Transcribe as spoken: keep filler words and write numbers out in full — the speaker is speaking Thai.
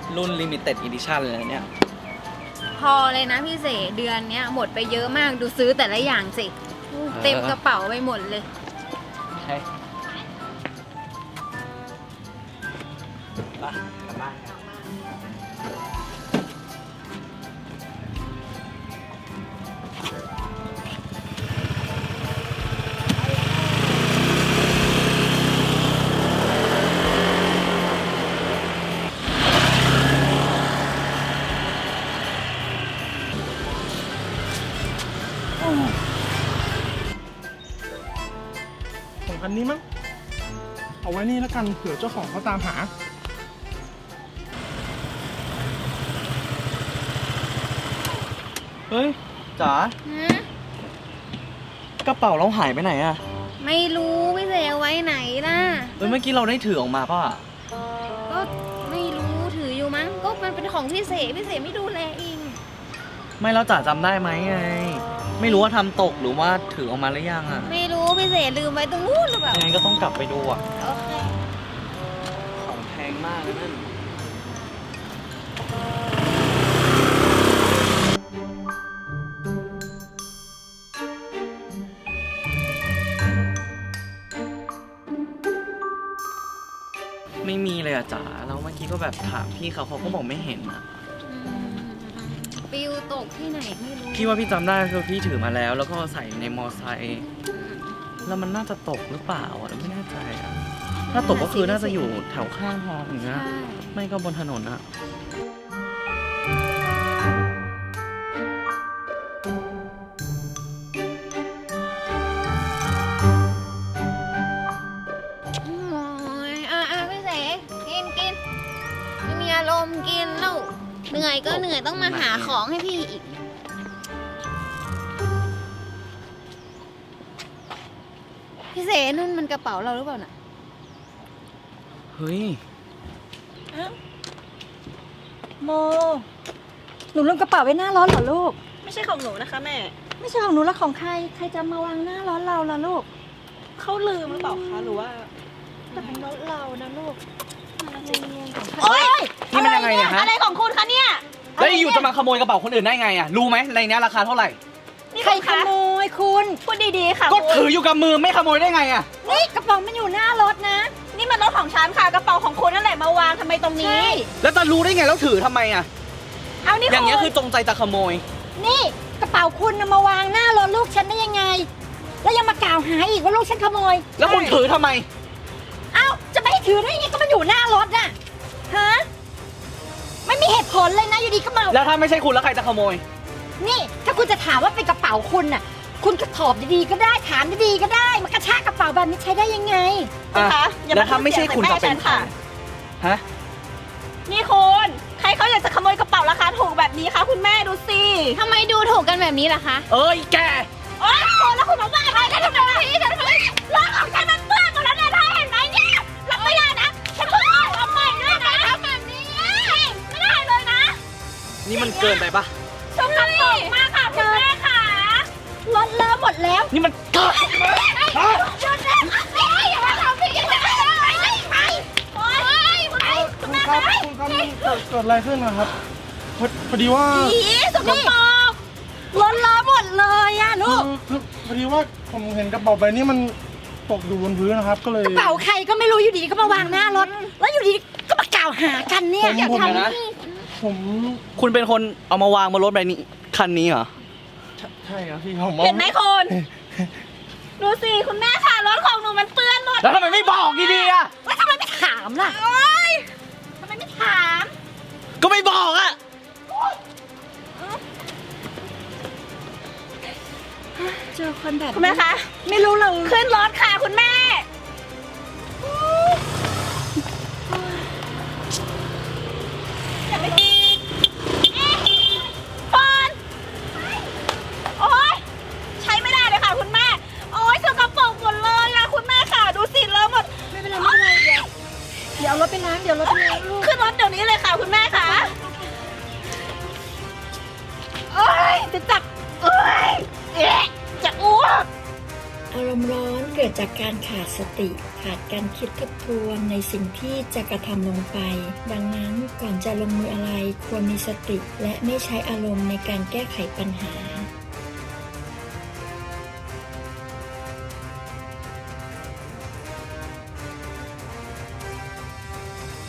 รุ่น Limited Edition เลยเนี่ยพอเลยนะพี่เสเดือนเนี้ยหมดไปเยอะมากดูซื้อแต่ละอย่างสิเต็มกระเป๋าไปหมดเลยใช่ไปกลับบ้านกันของคันนี้มั้งเอาไว้นี่แล้วกันเผื่อเจ้าของเขาตามหาเฮ้ยจ๋าหืมกระเป๋าเราหายไปไหนอะไม่รู้พี่เสเอาไว้ไหนล่ะเฮ้ยเมื่อกี้เราได้ถือออกมาป่ะก็ไม่รู้ถืออยู่มั้งก็มันเป็นของพี่เสพี่เสไม่ดูแลเองไม่แล้วจ๋าจำได้ไหมไงไม่รู้ว่าทำตกหรือว่าถือออกมาหรือยังอะไม่รู้พี่เสลืมไว้ตรงนู้นหรือเปล่ายังไงก็ต้องกลับไปดูอะโอเคของแพงมากเลยนั่นไม่มีเลยอะจ๋าแล้วเมื่อกี้ก็แบบถามพี่เขาเขาก็บอกไม่เห็นอะอืมปิวตกที่ไหนไม่รู้พี่ว่าพี่จำได้คือพี่ถือมาแล้ว แล้วก็ใส่ในมอไซค์แล้วมันน่าจะตกหรือเปล่าอะไม่แน่ใจอะถ้าตกก็คือน่าจะอยู่แถวข้างทางอย่างเงี้ยใช่ไม่ก็บนถนนอะโอ้ยอ่ะอ่ะพี่เสกินกินไม่มีอารมณ์กินแล้วเหนื่อยก็เหนื่อยต้องมาหาของให้พี่อีกพี่เสนุ่นมันกระเป๋าเราหรือเปล่าน่ะเฮ้ยโม หนูลืมกระเป๋าไว้หน้าร้อนเหรอลูกไม่ใช่ของหนูนะคะแม่ไม่ใช่ของหนูแล้วของใคร ใครจะมาวางหน้าร้อนเราล่ะลูกเขาลืมหรือเปล่าคะหรือว่าแต่ของรถเรานะลูกโอ๊ยนี่มันยังไงเนี่ยฮะอะไรของคุณคะเนี่ยแล้วอยู่จะมาขโมยกระเป๋าคนอื่นได้ไงอะรู้ไหมในเนี้ยราคาเท่าไหร่นี่ใครคุณขคะโมยคุณพูดดีๆค่ะก็คุณถืออยู่กับมือไม่ขโมยได้ไงอะนี่กระเป๋ามันอยู่หน้ารถนะนี่มันรถของฉันค่ะกระเป๋าของคุณนั่นแหละมาวางทำไมตรงนี้แล้วจะรู้ได้ไงแล้วถือทำไมอะเอานี่อย่างเงี้ยคุคืณอจงใจจะขโมยนี่กระเป๋าคุณนะมาวางหน้ารถลูกฉันได้ยังไง แล้วยังมากล่าวหาอีกว่าลูกฉันขโมยแล้วคุณถือทำไมเอ้าจะไม่ให้ถือได้ยังไงก็มันอยู่หน้ารถน่ะ ฮะ ไม่มีเหตุผลเลยนะอยู่ดีก็มาแล้วถ้าไม่ใช่คุณแล้วใครจะขโมยนี่ถ้าคุณจะถามว่าเป็นกระเป๋าคุณน่ะ คุณก็ตอบดีๆก็ได้ถามดีๆก็ได้มากระชากกระเป๋าแบบนี้ใช้ได้ยังไงคุณคะอ่ะอย่าแล้วมาถ้าไม่ใช่คุณจะเป็นใครค่ะฮะนี่คุณใครเขาอยากจะขโมยกระเป๋าราคาถูกแบบนี้คะคุณแม่ดูสิทำไมดูถูกกันแบบนี้ล่ะคะเอ้ยแกโอ๊ยคุณแล้วคุณมาว่าอะไรกันทำไมพี่ทำไมรถของฉันมันเปื้อนหมดแล้วเนี่ยเธอเห็นไหมเนี่ยรับไม่ได้นะฉันเพิ่งทำใหม่ด้วยนะทำแบบนี้ไม่ได้เลยนะนี่มันเกินไปปะชมกระปกมากค่ะคุณแม่ค่ะรถเลอะหมดแล้วนี่มันเกินฮะหยุดนะอย่ามาทำพี่อย่ามาทำไปไปโอ๊ยไปคุคุณ ณแม่ครับไปคุณครับมันเกิดเกิดอะไรขึ้นนะครับพอพอดีว่าอีสกปรกรถเลอะหมดเลยอะลูกคือคือพอดีว่าผมเห็นกระเป๋าใบนี้มันตกอยู่บนพื้นนะครับ ก็เลยกระเป๋าใครก็ไม่รู้อยู่ดีก็มาวางหน้ารถ แล้วอยู่ดีก็มากล่าวหากันเนี่ยผมอย่าผมทำนะผมคุณเป็นคนเอามาวางบนรถใบนี้คันนี้เหรอใช่ครับพี่ผมเห็นไหมคุณดูสิคุณแม่ค่ะรถของหนูมันเปื้อนหมดแล้วทำไมไม่บอกดีๆอะแล้วทำไมไม่ถามล่ะโอ๊ยทำไมไม่ถามก็ไม่บอกอะเจอคนแบบคุณแม่คะไม่รู้เลยขึ้นรถค่ะคุณแม่อย่าไปฟอนโอ๊ยใช้ไม่ได้เลยค่ะคุณแม่ โอ๊ยสกปรกหมดเลยอะคุณแม่ค่ะดูสิเลอะหมดไม่เป็นไรไม่เป็นไรเดี๋ยวเดี๋ยวเอารถไปล้างเดี๋ยวรถไปล้างลูกขึ้นรถเดี๋ยวนี้เลยค่ะคุณแม่ค่ะโอ๊ยจะจับโอ๊ยเอ๊ะจะอ้วกอารมณ์ร้อนแกกิดจากการขาดสติ ขาดการคิดทบทวนในสิ่งที่จะกระทำลงไป ดังนั้นก่อนจะลงมืออะไรควรมีสติและไม่ใช้อารมณ์ในการแก้ไขปัญหา